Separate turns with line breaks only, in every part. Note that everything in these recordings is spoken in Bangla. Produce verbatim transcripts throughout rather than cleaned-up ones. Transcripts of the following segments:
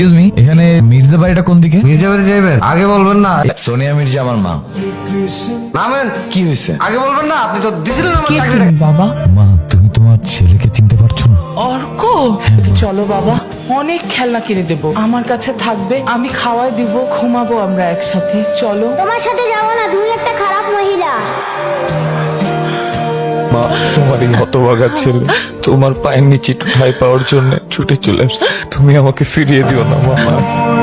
এক্সকিউজ মি, এখানে মির্জা বাড়িটা কোন দিকে?
মির্জা বাড়ি যাইবেন? আগে বলবেন না।
সোনিয়া মির্জা আমার মা।
নামেন।
কি হয়েছে?
আগে বলবেন না, আপনি তো দিছিলেন আমার
কে
চাকরিটা।
তুমি বাবা?
মা, তুমি তোমার ছেলেকে চিনতে পারছো না?
অর্ক, চলো বাবা, অনেক খেলনা কিনে দেবো, আমার কাছে থাকবে, আমি খাওয়াই দিব, ঘুমাবো আমরা একসাথে। চলো।
তোমার সাথে যাবো না, তুমি একটা খারাপ মহিলা।
মা, তোমার এই হতভাগা ছেলে তোমার পায়ের নিচে একটু ঠাঁই পাওয়ার জন্য ছুটে চলে আসছে। তুমি আমাকে ফিরিয়ে দিও না মামা।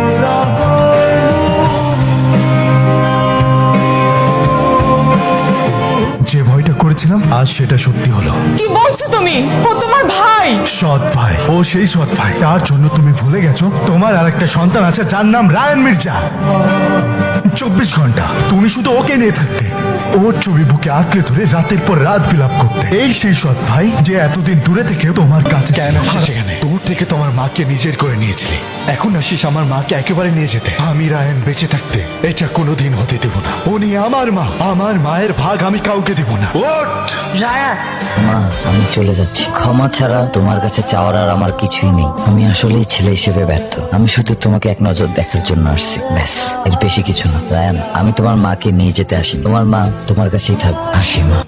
যে ভয়টা করেছিলাম আজ সেটা সত্যি হলো।
কি বলছো তুমি? ও তোমার ভাই।
সৎ ভাই, ও সেই সৎ ভাই তার জন্য তুমি ভুলে গেছো তোমার আর একটা সন্তান আছে যার নাম রায়ান মির্জা। চব্বিশ ঘন্টা তুমি শুধু ওকে নিয়ে থাকতে, ওর ছবি বুকে আঁকড়ে ধরে রাতের পর রাত বিলাপ করতে। এই সেই সৎ ভাই যে এতদিন দূরে থেকে তোমার কাছে কেন সেখানে দূর থেকে তোমার মাকে নিজের করে নিয়েছিলি, এখন আসিস আমার মাকে একেবারে নিয়ে যেতে। আমি রায়ান বেঁচে থাকতে এটা কোনোদিন হতে দেব না। উনি আমার মা, আমার মায়ের ভাগ আমি কাউকে দেব না। ওঠ!
রায়া,
মা, আমি চলে যাচ্ছি। ক্ষমা ছাড়া তোমার কাছে চাওয়ার আর আমার কিছুই নেই। আমি আসলেই ছেলে হিসেবে ব্যর্থ। আমি শুধু তোমাকে এক নজর দেখার জন্য আসছি, ব্যাস, এর বেশি কিছু না। রায়ান, আমি তোমার মাকে নিয়ে যেতে আসি। তোমার মা তোমার কাছেই থাকবে। আসি মা।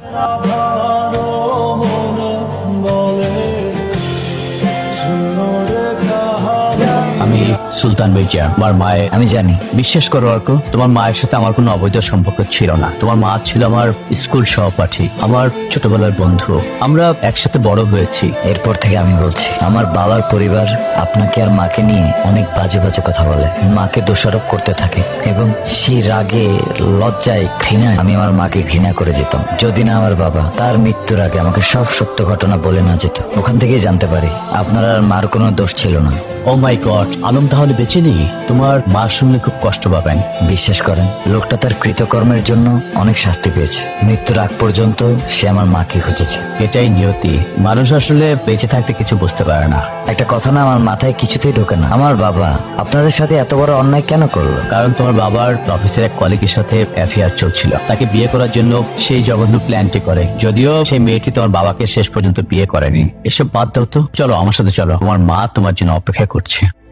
আমি সুলতান মির্জা, আমার মায়ের।
আমি জানি।
বিশ্বাস করো অর্ক, তোমার মায়ের সাথে আমার কোনো অবৈধ সম্পর্ক ছিল না। তোমার মা ছিল আমার স্কুল সহপাঠী, আমার ছোটবেলার বন্ধু। আমরা একসাথে বড় হয়েছি।
এরপর থেকে আমি বলছি, আমার বাবার পরিবার আপনাকে আর মাকে নিয়ে অনেক বাজে বাজে কথা বলে, মাকে দোষারোপ করতে থাকে, এবং সেই রাগে, লজ্জায়, ঘৃণায় আমি আমার মাকে ঘৃণা করে যেতাম। যদি না আমার বাবা তার মৃত্যুর আগে আমাকে সব সত্য ঘটনা বলে না যেত, ওখান থেকেই জানতে পারি আপনার আর মার কোনো দোষ ছিল না।
ও মাই গড, আলম তাহলে বেঁচে নেই? তোমার মা শুনলে খুব কষ্ট পাবেন।
বিশ্বাস করেন, লোকটা তার কৃতকর্মের জন্য অনেক শাস্তি পেয়েছে। মৃত্যুর আগ পর্যন্ত সে আমার মাকে খুঁজেছে।
এটাই নিয়তি। মানুষ আসলে বেঁচে থাকতে কিছু বুঝতে পারে না।
একটা কথা না আমার মাথায় কিছুতেই ঢোকে না, আমার বাবা আপনাদের সাথে এত বড় অন্যায় কেন করলো?
কারণ তোমার বাবার অফিসের এক কলিগের সাথে অ্যাফেয়ার চলছিল। তাকে বিয়ে করার জন্য সেই জঘন্য প্ল্যানটি করে, যদিও সেই মেয়েটি তোমার বাবাকে শেষ পর্যন্ত বিয়ে করেনি। এসব বাদ দাও তো, চলো আমার সাথে চলো, আমার মা তোমার জন্য অপেক্ষা করছে।